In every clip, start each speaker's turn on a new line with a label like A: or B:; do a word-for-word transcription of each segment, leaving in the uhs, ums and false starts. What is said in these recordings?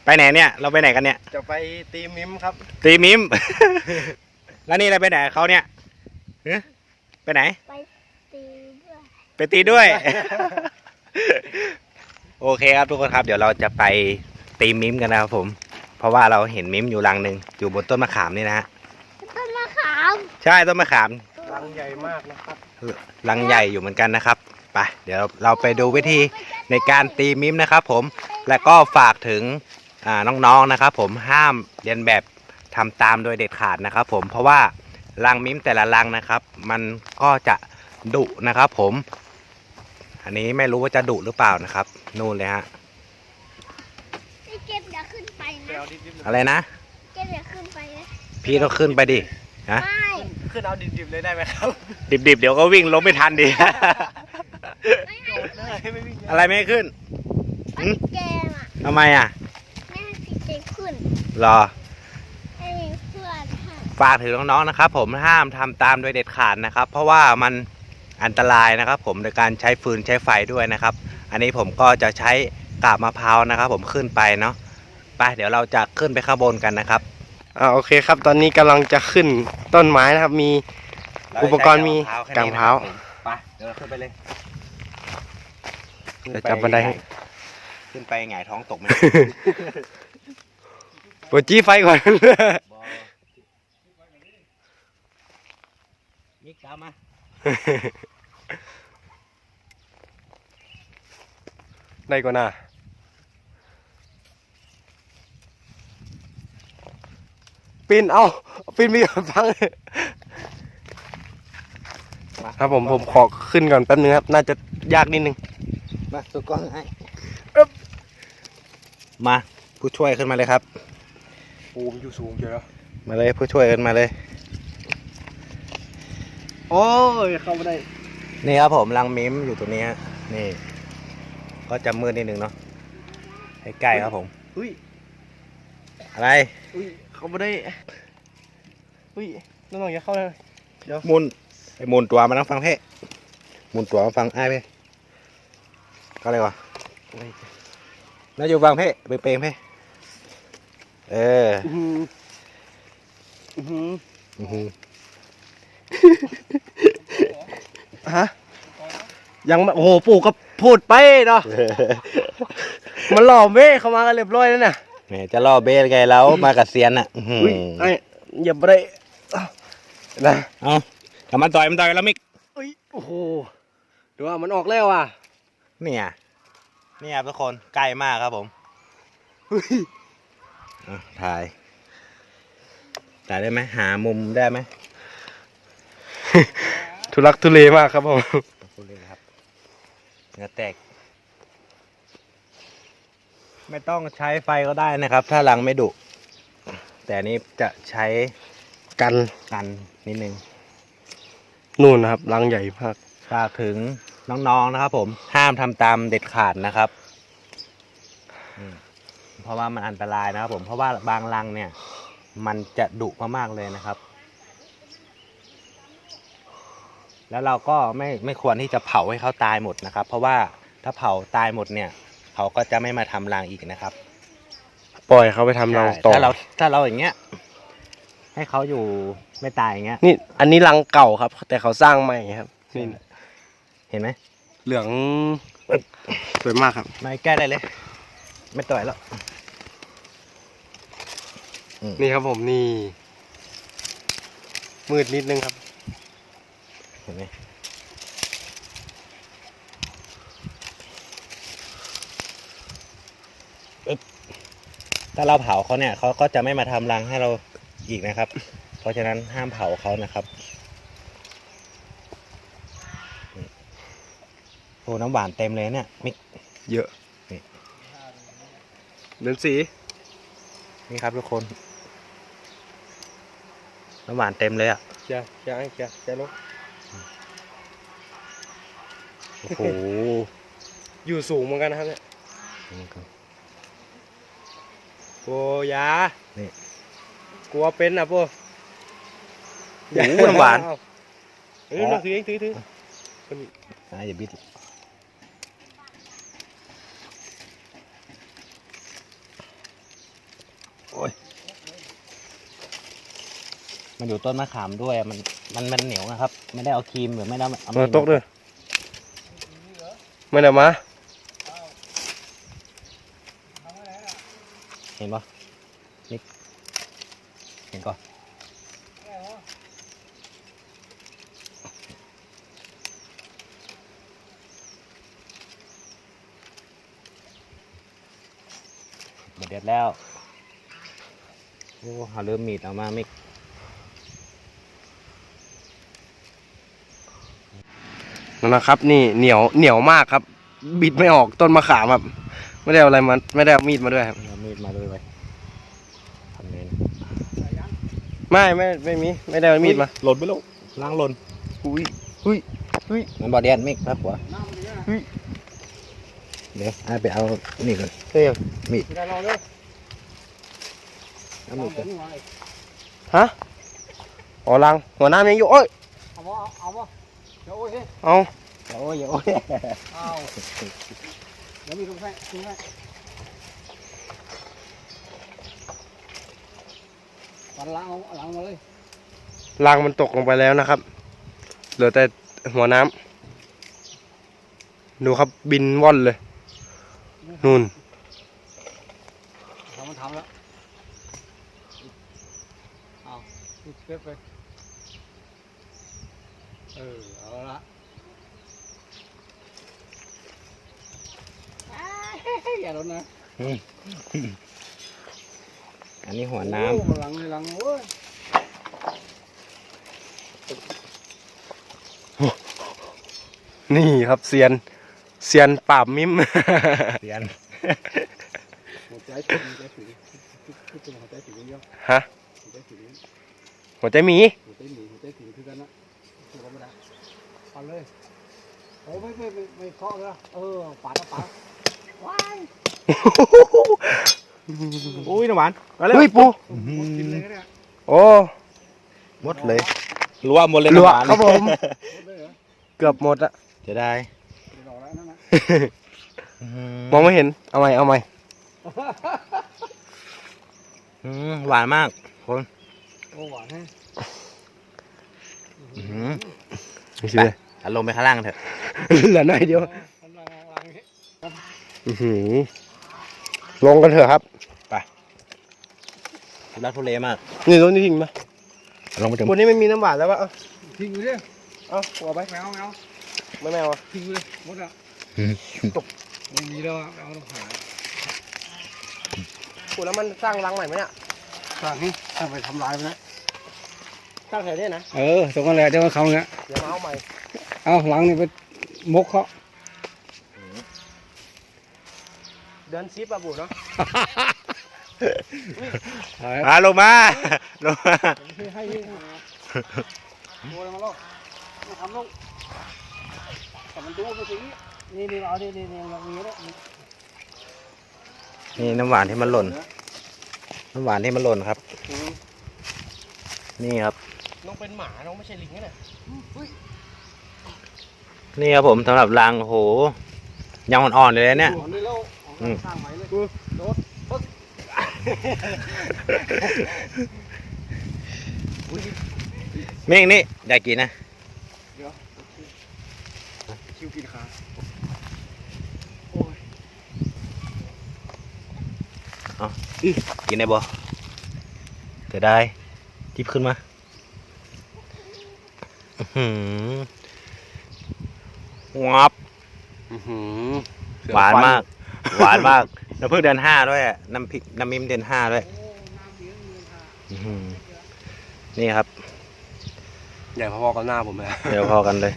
A: ไปไหนเนี่ยเราไปไหนกันเนี่ย
B: จะไปตีมิมครับ
A: ตีมิม แล้วนี่เราไปไหนเขาเนี่ยไปไหน
C: ไปตีด้วย
A: ไปตีด้วย โอเคครับทุกคนครับเดี๋ยวเราจะไปตีมิมกันนะครับผมเพราะว่าเราเห็นมิมอยู่รังหนึ่งอยู่บนต้นมะขามนี่นะฮะ
C: ต้นมะขาม
A: ใช่ต้นมะขาม
B: รังใหญ่มากนะครับ
A: รังใหญ่อยู่เหมือนกันนะครับไปเดี๋ยวเราไปดูวิธีในการตีมิมนะครับผมและก็ฝากถึงน้องๆนะครับผมห้ามเรียนแบบทำตามโดยเด็ดขาดนะครับผมเพราะว่ารังมิมแต่ละรังนะครับมันก็จะดุนะครับผมอันนี้ไม่รู้ว่าจะดุหรือเปล่านะครับนู่นเลยฮะ
C: พี่เก็บอย่าขึ้นไปนะ
A: อะไรนะ
C: เก็บอย่าขึ้นไปนะ
A: พี่ต้องขึ้นไปดิฮะ
C: ไม่
B: ขึ้นเอาดิบๆเลยได้ไหมครับ
A: ดิบๆเดี๋ยวก็วิ่งล้มไม่ทันดิอะไรไม่ขึ้น
C: แกมอ่ะ
A: ทำไมอ่ะ
C: ไม่ให้พี่เก็บขึ้น
A: รอ
C: ให้เพื่อน
A: ฝากถึงน้องๆนะครับผมห้ามทำตามโดยเด็ดขาดนะครับเพราะว่ามันอันตรายนะครับผมในการใช้ฟืนใช้ไฟด้วยนะครับอันนี้ผมก็จะใช้กาบมะพร้าวนะครับผมขึ้นไปเนาะไปเดี๋ยวเราจะขึ้นไปข้างบนกันนะครับ
B: อ่าโอเคครับตอนนี้กำลังจะขึ้นต้นไม้นะครับมีอุปกรณ์มีกางมะพร้าว
A: ไปเดี๋ยวเราขึ้นไปเลย
B: จะจับบันได
A: ขึ้นไปหงายท้องตกไหม
B: ปวดจี้ไฟก่อน
A: มิกตามมา
B: ได้ก่อนนะปีนเอาปีนมีฟังครับผมผมขอขึ้นก่อนแป๊บนึงครับน่าจะยากนิดนึง
A: มาตัวกล้องให้มาผู้ช่วยขึ้นมาเลยครับ
B: ปูมอยู่สูงเยอะ
A: มาเลยผู้ช่วยขึ้นมาเลย
B: โอ้ยเข้าไม่ได้
A: นี่ครับผมรังมิมอยู่ตรงนี้นี่ก็จะมืดนิดนึงเนาะใกล้ๆครับผม
B: อุ้ย
A: อะไร
B: อุ้ยเข้าไม่ได้อุ้ยน้องๆอย่าเข้าเลย
A: เดี๋ยวมุนไอ้มุนตัวมานั่งฟังเพ่มุนตัวมาฟังไอ้เพ่ก็อะไรวะน่าอยู่ฟังเพ่เปย์เพ่เออ
B: ฮะยังโอ้โหปู่ก็พูดไปเนาะมันหล่อเบ้เข้ามากันเรียบร้อยแล้วเนี่ย
A: แหมจะล่อเบ้ไงแล้วมากับเซียนอ่ะ
B: ไอ้อย่าไปนะ
A: เอาทำมันต่อยมันต่อยแล้วมิก
B: โอ้โหดูว่ามันออกแล้วอ่ะ
A: เนี่ยนี่ครับทุกคนใกล้มากครับผมถ่ายถ่ายได้ไหมหามุมได้ไหม
B: ทุลักทุเลมากครับผม
A: ทุเลครับเนื้อแตกไม่ต้องใช้ไฟก็ได้นะครับถ้ารังไม่ดุแต่นี้จะใช้
B: กัน
A: กันนิดนึง
B: นู่นนะครับรังใหญ่มาก
A: ฝากถึงน้องๆนะครับผมห้ามทำตามเด็ดขาดนะครับเพราะว่ามันอันตรายนะครับผมเพราะว่าบางรังเนี่ยมันจะดุมากๆเลยนะครับแล้วเราก็ไม่ไม่ควรที่จะเผาให้เขาตายหมดนะครับเพราะว่าถ้าเผาตายหมดเนี่ยเขาก็จะไม่มาทำรังอีกนะครับ
B: ปล่อยเขาไปทำรังต่อ
A: ถ้าเราถ้าเราอย่างเงี้ยให้เขาอยู่ไม่ตายอย่างเงี้ย
B: นี่อันนี้รังเก่าครับแต่เขาสร้างใหม่ครับนี่
A: เห็นไหม
B: เหลืองสวยมากครับ
A: ไม่แก้ได้เลยไม่ต่อยแล้ว
B: นี่ครับผมนี่มืดนิดนึงครับ
A: เห็นไหมถ้าเราเผาเขาเนี่ยเขาก็จะไม่มาทำรังให้เราอีกนะครับเพราะฉะนั้นห้ามเผาเขานะครับโอ้น้ำหวานเต็มเลยเนี่ยมิก
B: เยอะนี่เดินสี
A: นี่ครับทุกคนน้ำหวานเต็มเลยอ่ะ
B: เชียร์เชียร์เชียร์เชียร์ลูก
A: โอ้โห
B: อยู่สูงเหมือนกันนะครับเนี่ยโอ้ยา
A: นี่
B: กลัวเป็นอ่ะปู
A: โอ้น้ำหวาน
B: เออถือเองถือถือ
A: อ่าอย่าบิด
B: โ
A: มันอยู่ต้นมะขามด้วยมันมันมันเหนียวนะครับ ไม่ได้เอาครีมหรือไม่ได้เอา
B: มาตกด้วยไม่ได้มา
A: เห็นปะนี่เห็นก่อนหมดเด็ดแล้วโอ้หาเริ่มมีดเอามามิก
B: นั่นนะครับ นี่เหนียวเหนียวมากครับ บิดไม่ออกต้นมะขามครับไม่ได้เอาอะไรมาไม่ได้เอามีดมาด้วยครับ
A: เอามีดมาด้วยไว้ทำไงนะ
B: ไม่ไม่ไม่มีไม่ได้เอามีดมา
A: หล่นไปแล้วล้างหล่น
B: อุ้ยอุ้ยอุ้ย
A: มันบอดแดนมิกครับหัวเดี๋ยวไอ้ไปเอานี่ก่อน
B: เฮ้ย
A: มีด
D: ได้รอเลย
A: เอามีดก่อน
B: ฮะอ๋อลังหัวน้ำยังอยู่โอ้ย
D: เอาบ่เอาบ่เดี๋ยวโอ้ย
B: เอา
A: โอ้ยโอ้ย
D: เอาเดี๋ยวมีตรงให้ตรงให้ปันล้างเอาล้างมาเลย
B: ลังมันตกลงไปแล้วนะครับเหลือแต่หัวน้ำดูครับบินว่อนเลยนู่น
D: ทำมันทำแล้วเอาติดเป๊ะไปเออเอาละ อย่าลดนะ
A: อันนี้หัวน้
D: โอ้หลังหลังโอ้ย
B: นี่ครับเซียนเซียนปราบมิม
A: ำเรียน
D: หัวใจถึงหัวใจถึงคือเป็นหัวใจถึงเยอะ
B: ฮะ
D: หัวใจถึง
B: หัวใจหมี
D: หัวใจหนีหัวใจถึงคือกันนะคือกันไม่ได้ปันเลยโอ้ไม่ไม่ไม่ไม่เคาะเลยเออปัดเอาปัดว้าย
A: อุ้ยน้ำหวาน
B: เฮ้ยปู
D: หมดกินเลยเนี่ย
B: โอ้
A: หมดเลยรัวหมดเลย
B: รัว
A: น้ำหวาน
B: ครับผม
D: หมดเลยเหรอ
B: เกือบหมดอะ
A: จะได้
D: เดี๋ยวรอแล้วนั่นนะ
B: มองไม่เห็นเอาใหม่เอาใหม่
A: อืมหวานมากคน
D: โอ้หวานแฮะ
A: อื้อหือ
B: นี่สิเลย
A: เอาลงไปข้างล่างเถอะ
B: เหลือหน่อยเดียว
D: กำลังกำลังนี้
B: อื้อหือลงกันเถอะครับ
A: ทุลักทุเลมาก
B: นี่รถนี่ทิ้งมา
A: ลงไปถึง
B: วันนี้ไม่มีน้ำหวานแล้ววะเอา
D: ทิ้งไปดิ
B: เอาหัวไป
D: แมวแมว
B: ไม่แมวอะ
D: ทิ้งไปเลยหมดอ่ะ
A: อืม
D: ไม่มีแล้วอะเอาต้องหา
B: ปูแล้วมันสร้างรังใหม่ไหมเนี่ย
D: สร้างนี่ถ้าไปทำลายมันนะ
B: สร้างแถวนี้นะ
D: เออตรงนั้นแหละเดี๋ยวเขาเนี่ย
B: เดี๋ยวมาเอาใหม่
D: เอาหลังนี่ไปมกเขา
B: เดินซิปอะปูเนาะ
A: มาลงมาลงมา
D: ให้ให้ให้โอ้ยมาลงมาทำลงแต่มันดูไปถึงนี่นี่เอาดินี่นี่เรามีแล้ว
A: นี่น้ำหวานที่มันหล่น น้ำหวานที่มันหล่นครับ นี่ครับ
B: น้องเป็นหมาน้องไม่ใช่ลิงนะเนี่ย
A: นี่ครับผมสำหรับรังโอ้โหยังอ่อนๆเลยนะเนี่ย
D: นี่แล้วสร้างใหม่เลยโดด
A: เมฆนี่อยากกินนะ
D: คิวกินขา
A: กินได้บ่จะได้จิบขึ้นมาอื้อหืองับ
B: อื้อหือ
A: หวานมาก หวานมาก น้ำผึ้งเดือนห้าด้วยอะน้ำพริกน้ำมิมเดือนห้าด้วยอื้อหือนี่ครับ
B: ใหญ่พอๆกับหน้าผมเลย
A: เดี๋ยวพอกันเลย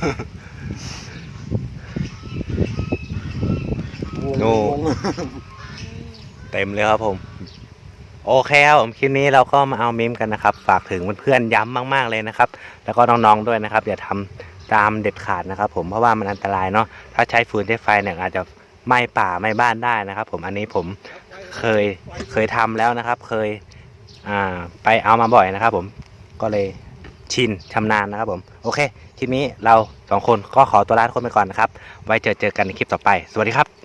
A: โน่ เต็มเลยครับผม โอเคครับผมคลิปนี้เราก็มาเอามิมกันนะครับ ฝากถึงเพื่อนๆย้ำมากๆเลยนะครับ แล้วก็น้องๆด้วยนะครับอย่าทำตามเด็ดขาดนะครับผมเพราะว่ามันอันตรายเนาะถ้าใช้ฟืนใช้ไฟเนี่ยอาจจะไหม้ป่าไหม้บ้านได้นะครับ ผมอันนี้ผมเคยเคยทำแล้วนะครับ เคยอ่าไปเอามาบ่อยนะครับ ผมก็เลยชินชำนาญนะครับผมโอเคคลิปนี้เราสองคนก็ขอตัวลาทุกคนไปก่อนนะครับ ไว้เจอเจอกันในคลิปต่อไปสวัสดีครับ